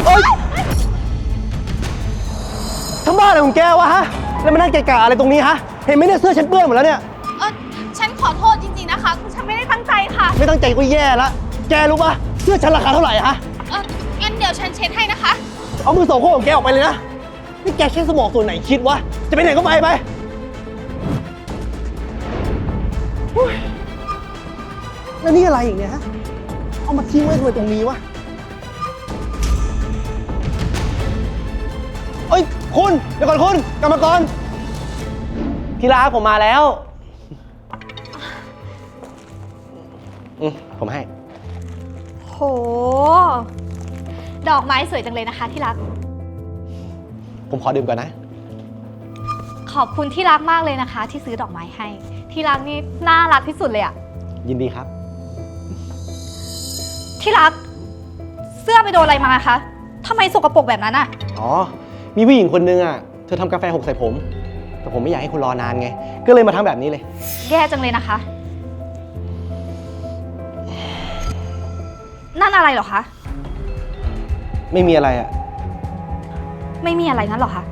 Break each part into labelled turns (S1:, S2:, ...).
S1: โอ๊ยทำบ้าอะไรของแกวะฮะแล้วมานั่งเกะกะอะไรตรงนี้ฮะเห็นไหมเนี่ยเสื้อฉันเปื้อนหมดแล้วเนี่ย
S2: ฉันขอโทษจริงๆนะคะคือฉันไม่ได้ตั้งใจค่ะ
S1: ไม่ตั้งใจก็แย่ละแกรู้ปะเสื้อฉันราคาเท่าไหร่ฮะ
S2: งั้นเดี๋ยวฉันเช็ดให้นะคะ
S1: เอามือโสโครกของแกออกไปเลยนะนี่แกใช้สมองส่วนไหนคิดวะจะไปไหนก็ไปแล้วนี่อะไรอีกเนี่ยฮะเอามาทิ้งไว้ทำไมตรงนี้วะเอ้ยคุณเดี๋ยวก่อนคุณกลับมาก่อนที่รักผมมาแล้วผมให้
S2: โหดอกไม้สวยจังเลยนะคะที่รัก
S1: ผมขอดื่มก่อนนะ
S2: ขอบคุณที่รักมากเลยนะคะที่ซื้อดอกไม้ให้ที่รักนี่น่ารักที่สุดเลยอะ
S1: ยินดีครับ
S2: ที่รักเสื้อไปโดนอะไรมาคะทำไมสกปรกแบบนั้นอะ
S1: อ๋อมีผู้หญิงคนนึงอะเธอทำกาแฟหกใส่ผมแต่ผมไม่อยากให้คุณรอนานไงก็เลยมาทำแบบนี้เลย
S2: แย่จังเลยนะคะนั่นอะไรเหรอคะ
S1: ไม่มีอะไรอะ
S2: ไม่มีอะไรงั้นเหรอคะ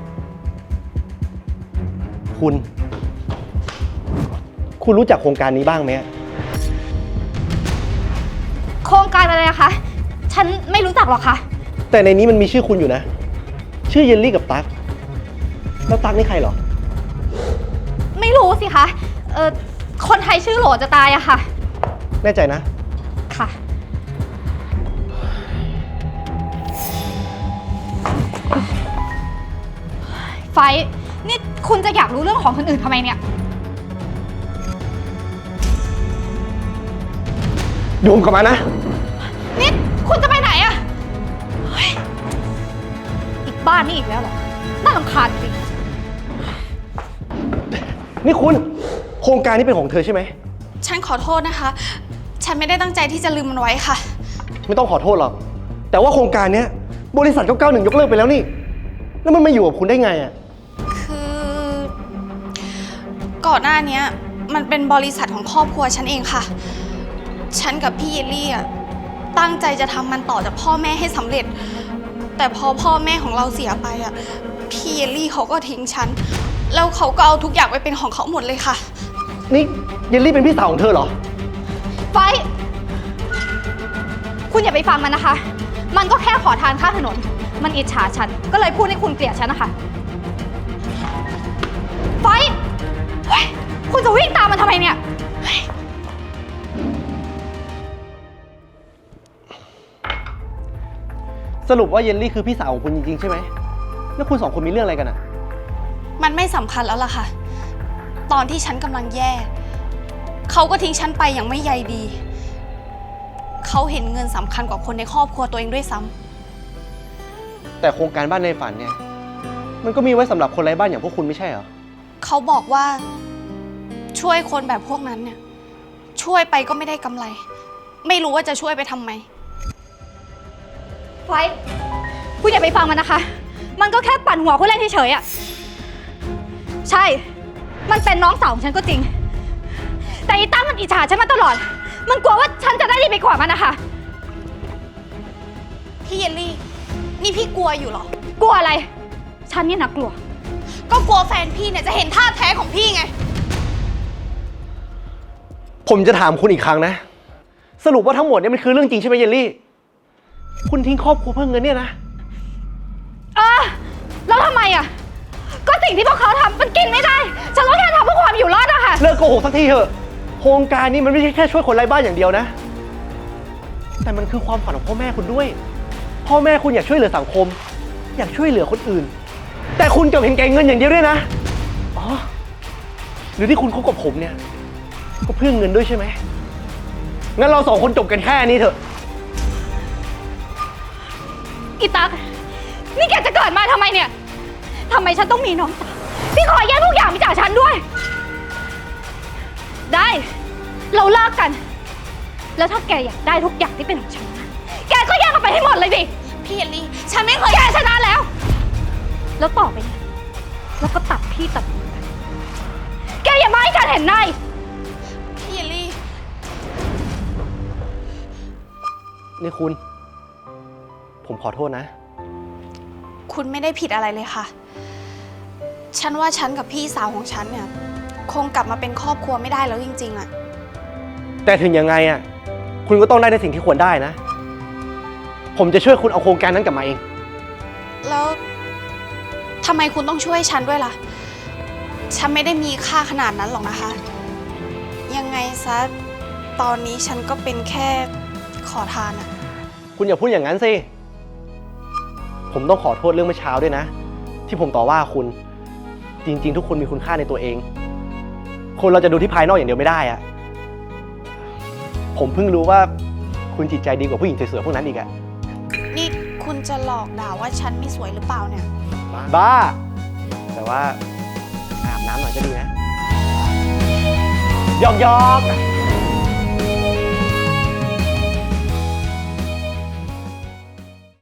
S1: คุณรู้จักโครงการนี้บ้างไหม
S2: โครงการอะไรนะคะฉันไม่รู้จักหรอกค่ะ
S1: แต่ในนี้มันมีชื่อคุณอยู่นะชื่อเยลลี่กับตั๊กแล้วตั๊กนี่ใครเหรอ
S2: ไม่รู้สิคะคนไทยชื่อโหลจะตายอะค่ะ
S1: แน่ใจนะ
S2: ค่ะไฟนี่คุณจะอยากรู้เรื่องของคนอื่นทำไมเนี่ย
S1: ดูผมกลับมานะ
S2: นี่คุณจะไปไหนอะอีกบ้านนี่อีกแล้วเหรอน่ารำคาญจริง
S1: นี่คุณโครงการนี้เป็นของเธอใช่ไหม
S2: ฉันขอโทษนะคะฉันไม่ได้ตั้งใจที่จะลืมมันไว้ค่ะ
S1: ไม่ต้องขอโทษหรอกแต่ว่าโครงการนี้บริษัท991ยกเลิกไปแล้วนี่แล้วมันมาอยู่กับคุณได้ไงอะ
S2: คือก่อนหน้านี้มันเป็นบริษัทของครอบครัวฉันเองค่ะฉันกับพี่เยลลี่อะตั้งใจจะทำมันต่อจากพ่อแม่ให้สำเร็จแต่พอพ่อแม่ของเราเสียไปอะพี่เยลลี่เขาก็ทิ้งฉันแล้วเขาก็เอาทุกอย่างไปเป็นของเขาหมดเลยค่ะ
S1: นี่เยลลี่เป็นพี่สาวของเธอเหรอ
S2: ไฟคุณอย่าไปฟังมันนะคะมันก็แค่ขอทานข้างถนนมันอิจฉาฉันก็เลยพูดให้คุณเกลียดฉันนะคะไฟคุณจะวิ่งตามมันทำไมเนี่ย
S1: สรุปว่าเยลลี่คือพี่สาวของคุณจริงๆใช่ไหมแล้วคุณสองคนมีเรื่องอะไรกันอะ
S2: มันไม่สำคัญแล้วล่ะค่ะตอนที่ฉันกำลังแย่เขาก็ทิ้งฉันไปอย่างไม่ใยดีเขาเห็นเงินสำคัญกว่าคนในครอบครัวตัวเองด้วยซ้
S1: ำแต่โครงการบ้านในฝันเนี่ยมันก็มีไว้สำหรับคนไร้บ้านอย่างพวกคุณไม่ใช่เหรอ
S2: เขาบอกว่าช่วยคนแบบพวกนั้นเนี่ยช่วยไปก็ไม่ได้กำไรไม่รู้ว่าจะช่วยไปทำไมไฟคุณอย่าไปฟังมันนะคะมันก็แค่ปั่นหัวคุณเล่นเฉยๆอ่ะใช่มันเป็นน้องสาวของฉันก็จริงแต่อีตั้มมันอิจฉาฉันมาตลอดมันกลัวว่าฉันจะได้ดีไปกว่ามันนะคะพี่เยลลี่นี่พี่กลัวอยู่เหรอกลัวอะไรฉันนี่นะกลัวก็กลัวแฟนพี่เนี่ยจะเห็นท่าแท้ของพี่ไง
S1: ผมจะถามคุณอีกครั้งนะสรุปว่าทั้งหมดเนี่ยมันคือเรื่องจริงใช่ไหมเยลลี่คุณทิ้งครอบครัวเพื่อเงินเนี่ยนะ
S2: แล้วทำไมอ่ะก็สิ่งที่พวกเขาทำมันกินไม่ได้ฉันก็แค่ทำเพื่อความอยู่รอดอะค่ะ
S1: เลิกโกหกสักทีเถอะโครงการนี้มันไม่ใช่แค่ช่วยคนไร้บ้านอย่างเดียวนะแต่มันคือความฝันของพ่อแม่คุณด้วยพ่อแม่คุณอยากช่วยเหลือสังคมอยากช่วยเหลือคนอื่นแต่คุณกลับเห็นแก่เงินอย่างเดียวด้วยนะอ๋อหรือที่คุณคบกับผมเนี่ยก็เพื่อเงินด้วยใช่ไหมงั้นเราสองคนจบกันแค่นี้เถอะ
S2: อีตั๊กนี่แกจะเกิดมาทำไมเนี่ยทำไมฉันต้องมีน้องสาวที่ขอแย่งทุกอย่างไปจากฉันด้วยได้เราเลิกกันแล้วถ้าแกอยากได้ทุกอย่างที่เป็นของฉันแกก็แย่งมันไปให้หมดเลยสิพี่เยลลี่ฉันไม่เคยแกชนะแล้วต่อไปนี้แล้วก็ตัดพี่ตัดมือกันแกอย่ามาให้ฉันเห็นหน้าพี่เยลลี่
S1: นี่คุณผมขอโทษนะ
S2: คุณไม่ได้ผิดอะไรเลยค่ะ ฉันว่าฉันกับพี่สาวของฉันเนี่ยคงกลับมาเป็นครอบครัวไม่ได้แล้วจริงๆอะ
S1: แต่ถึงยังไงอ่ะ คุณก็ต้องได้ในสิ่งที่ควรได้นะ ผมจะช่วยคุณเอาโครงการนั้นกลับมาเอง
S2: แล้วทำไมคุณต้องช่วยฉันด้วยล่ะ ฉันไม่ได้มีค่าขนาดนั้นหรอกนะคะ ยังไงซะ ตอนนี้ฉันก็เป็นแค่ขอทานอะ
S1: คุณอย่าพูดอย่างนั้นสิ ผมต้องขอโทษเรื่องเมื่อเช้าด้วยนะ ที่ผมต่อว่าคุณ จริงๆ ทุกคนมีคุณค่าในตัวเอง คนเราจะดูที่ภายนอกอย่างเดียวไม่ได้อะผมเพิ่งรู้ว่าคุณจิตใจดีกว่าผู้หญิงสวยๆพวกนั้นอีกอะ
S2: นี่คุณจะหลอกด่าว่าฉันไม่สวยหรือเปล่าเนี่ย
S1: บ้า แต่ว่าอาบน้ำหน่อยก็ดีนะหยอก